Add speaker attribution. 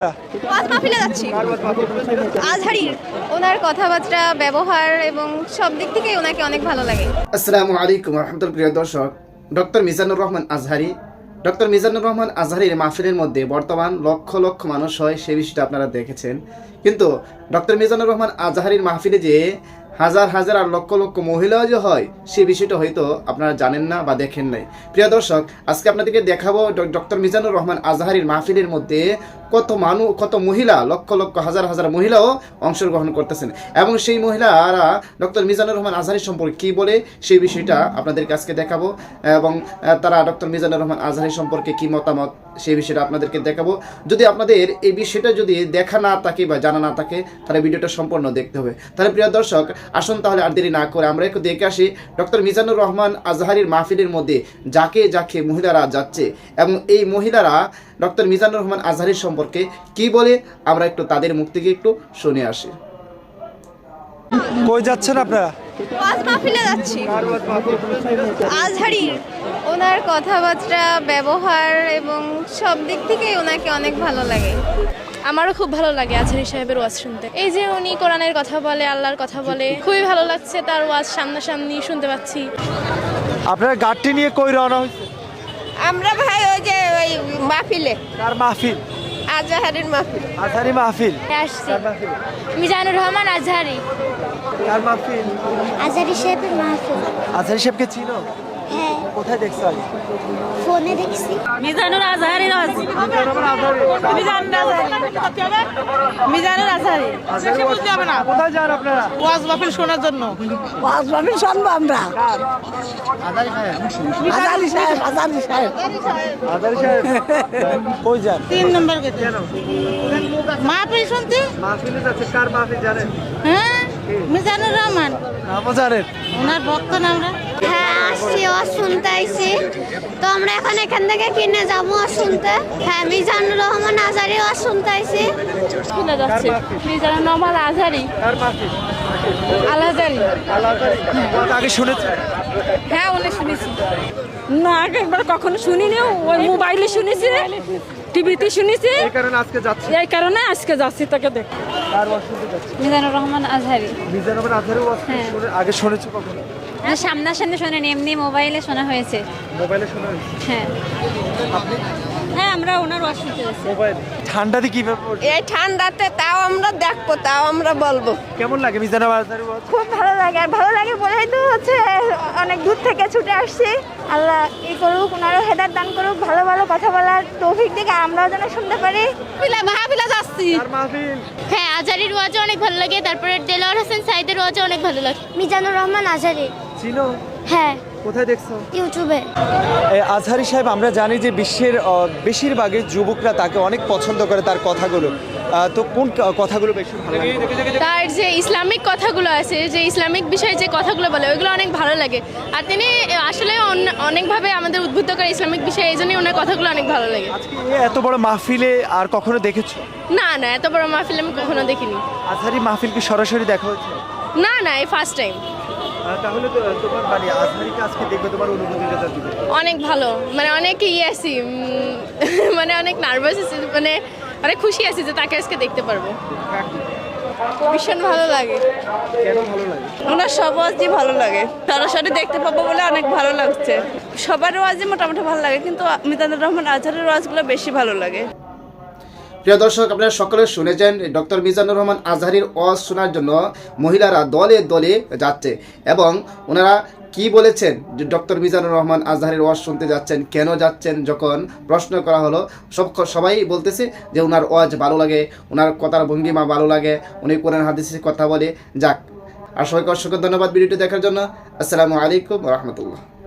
Speaker 1: ওয়াজ মাহফিলে যাচ্ছি। আজহারীর ওনার কথাবার্তা, ব্যবহার এবং সব দিক থেকেই ওনাকে অনেক ভালো লাগে।
Speaker 2: আসসালামু আলাইকুম রহমতুল্লাহ। প্রিয় দর্শক, ডক্টর মিজানুর রহমান আজহারী, ডক্টর মিজানুর রহমান আজহারীর মাহফিলের মধ্যে বর্তমান লক্ষ লক্ষ মানুষ হয়, সে বিষয়টা আপনারা দেখেছেন। কিন্তু ডক্টর মিজানুর রহমান আজহারীর মাহফিলে যে হাজার হাজার আর লক্ষ লক্ষ মহিলাও যে হয়, সে বিষয়টা হয়তো আপনারা জানেন না বা দেখেন নাই। প্রিয় দর্শক, আজকে আপনাদেরকে দেখাবো ডক্টর মিজানুর রহমান আজহারীর মাহফিলের মধ্যে কত মহিলা, লক্ষ লক্ষ হাজার হাজার মহিলাও অংশগ্রহণ করতেছেন, এবং সেই মহিলারা ডক্টর মিজানুর রহমান আজহারী সম্পর্কে কী বলে সেই বিষয়টা আপনাদেরকে আজকে দেখাবো, এবং তারা ডক্টর মিজানুর রহমান আজহারী সম্পর্কে কী মতামত সেই বিষয়টা আপনাদেরকে দেখাবো। যদি আপনাদের এই বিষয়টা যদি দেখা না থাকে বা জানা না থাকে, তাহলে ভিডিওটা সম্পূর্ণ দেখতে হবে। তাহলে প্রিয় দর্শক, আসুন তাহলে আর দেরি না করে আমরা একটু দেখে আসি ডক্টর মিজানুর রহমান আজহারীর মাহফিলের মধ্যে যাকে যাকে মহিলারা যাচ্ছে, এবং এই মহিলারা ডক্টর মিজানুর রহমান আজহারীর সম্পর্কে কি বলে, আমরা একটু তাদের মুখ থেকে একটু শুনে আসি।
Speaker 3: কই যাচ্ছেন আপনারা?
Speaker 1: ওয়াজ মাহফিলে যাচ্ছি। আজহারীর ওনার কথাবার্তা, ব্যবহার এবং সব দিক থেকেই ওনাকে অনেক ভালো লাগে।
Speaker 4: আমারও খুব ভালো লাগে আজহারী সাহেবের ওয়াজ শুনতে। এই যে উনি কোরআনের কথা বলে, আল্লাহর কথা বলে, খুবই ভালো লাগছে তার ওয়াজ সামনাসামনি শুনতে পাচ্ছি।
Speaker 3: আপনারা গাড়িটি নিয়ে কই রওনা হয়েছে?
Speaker 1: আমরা ভাই ওই যে ওই মাহফিলে,
Speaker 3: কার মাহফিল?
Speaker 1: আজহারীর মাহফিল।
Speaker 3: আজহারী মাহফিল।
Speaker 4: আসছি
Speaker 3: কার মাহফিল?
Speaker 4: মিজানুর রহমান আজহারী।
Speaker 3: কার মাহফিল?
Speaker 5: আজহারী সাহেবের মাহফিল।
Speaker 3: আজহারী সাহেবকে চিনো?
Speaker 5: হ্যাঁ,
Speaker 3: কোথায় দেখছো আগে?
Speaker 5: ফোনে দেখছি।
Speaker 4: মিজানুর আজহারী
Speaker 3: কোথায় যান আপনারা?
Speaker 6: ওয়াজ মাহফিল শোনার জন্য।
Speaker 7: ওয়াজ মাহফিল শুনবো আমরা। আজহারী সাহেব।
Speaker 3: আজহারী সাহেব কই যান?
Speaker 6: 3 নম্বর গেছে মাহফিল শুনতে।
Speaker 3: মাহফিলে যাচ্ছে। কার মাহফিল জানেন?
Speaker 6: হ্যাঁ, মিজানুর রহমান,
Speaker 3: নামও জানেন?
Speaker 6: ওনার ভক্ত না আমরা।
Speaker 5: হ্যাঁ, আসছি, ওয়াজ শুনতে আইছি। তো আমরা এখন এখান থেকে কিনে যাবো ওয়াজ শুনতে। হ্যাঁ, মিজানুর রহমান আজহারী ওয়াজ শুনতে আইছি।
Speaker 4: শুনে যাচ্ছে মিজানুর রহমান আজহারী।
Speaker 3: কার মাহফিল?
Speaker 4: আজহারী।
Speaker 3: আগে শুনেছেন?
Speaker 4: হ্যাঁ, উনি শুনেছি না, আগে একবার কখনো শুনিনি, ওই মোবাইলে শুনেছি, টিভিতে শুনেছি,
Speaker 3: এই কারণে আজকে যাচ্ছি।
Speaker 4: এই কারণে আজকে যাচ্ছি তাকে দেখ।
Speaker 3: কার ওয়াজ শুনতে যাচ্ছি?
Speaker 4: মিজানুর রহমান আজহারী।
Speaker 3: মিজানুর রহমান আজহারী ওয়াজ আগে শুনেছো কখনো?
Speaker 4: সামনাসামনি শোনেনি, এমনি মোবাইলে শোনা হয়েছে।
Speaker 3: মোবাইলে শোনা হয়েছে?
Speaker 4: হ্যাঁ
Speaker 3: আপনি?
Speaker 4: হ্যাঁ, আমরা ওনার ওয়াজ শুনতে যাচ্ছি।
Speaker 3: মোবাইলে। ঠান্ডাতে কিভাবে পড়ছে?
Speaker 1: এই ঠান্ডাতে তাও আমরা দেখবো, তাও আমরা বলবো।
Speaker 3: কেমন লাগে মিজানুর আজহারী ওয়াজ?
Speaker 1: খুব ভালো লাগে, আর ভালো লাগে বলেই তো হচ্ছে অনেক দূর থেকে ছুটে আসছি। আল্লাহ ই করুক, ওনারও হেদায়েত দান করুক, ভালো ভালো কথা বলার তৌফিক দিকে আমরাও যেন শুনতে পারি।
Speaker 4: মাহফিলে যাচ্ছি।
Speaker 3: কার মাহফিল?
Speaker 4: হ্যাঁ, আজহারীর ওয়াজও অনেক ভালো লাগে, তারপরে দেলোয়ার হোসেন সাইদের ওয়াজও অনেক ভালো লাগে।
Speaker 5: মিজানুর রহমান আজহারী।
Speaker 3: চিনো?
Speaker 5: হ্যাঁ,
Speaker 3: কোথায় দেখছো?
Speaker 5: ইউটিউবে।
Speaker 3: আজহারী সাহেব, আমরা জানি যে বিশ্বের বেশিরভাগই যুবকরা তাকে অনেক পছন্দ করে, তার কথাগুলো। তো কোন কথাগুলো বেশি ভালো লাগে?
Speaker 4: তার যে ইসলামিক কথাগুলো আছে, যে ইসলামিক বিষয়ে যে কথাগুলো বলে, ওইগুলো অনেক ভালো লাগে। আর তিনি আসলে অনেকভাবে আমাদের উদ্বুদ্ধ করে ইসলামিক বিষয়ে, এই জন্যই ওনার কথাগুলো অনেক ভালো লাগে।
Speaker 3: আজকে এত বড় মাহফিলে আর কখনো দেখেছো?
Speaker 4: না না, এত বড় মাহফিল আমি কখনো দেখিনি।
Speaker 3: আজহারী মাহফিল কি সরাসরি দেখা হয়েছে?
Speaker 4: না না, এই ফার্স্ট টাইম।
Speaker 3: তাহলে তো তোমার মানে আজহারীকে আজকে দেখবে, তোমার অনুভূতিটা দিবে।
Speaker 4: অনেক ভালো, মানে অনেক আছি, মানে অনেক নার্ভাস আছি, মানে অনেক খুশি আছি যে তাকে আজকে দেখতে পারবো। ভীষণ ভালো লাগে।
Speaker 3: কেন ভালো লাগে?
Speaker 1: ওনার সব ওয়াজই ভালো লাগে, সরাসরি দেখতে পাবো বলে অনেক ভালো লাগছে। সবার ওয়াজই মোটামুটি ভালো লাগে, কিন্তু মিজানুর রহমান আজহারীর ওয়াজগুলো বেশি ভালো লাগে।
Speaker 2: প্রিয় দর্শক, আপনারা সকলে শুনেছেন ডক্টর মিজানুর রহমান আজহারীর ওয়াজ শোনার জন্য মহিলারা দলে দলে যাচ্ছে, এবং ওনারা কি বলেছেন যে ডক্টর মিজানুর রহমান আজহারীর ওয়াজ শুনতে যাচ্ছেন, কেন যাচ্ছেন যখন প্রশ্ন করা হলো, সবাই বলতেছে যে ওনার ওয়াজ ভালো লাগে, ওনার কথার ভঙ্গিমা ভালো লাগে, উনি কোরআন হাদিসের কথা বলে। যাক, আর সবাইকে অসংখ্য ধন্যবাদ ভিডিওটি দেখার জন্য। আসসালামু আলাইকুম রহমতুল্লাহ।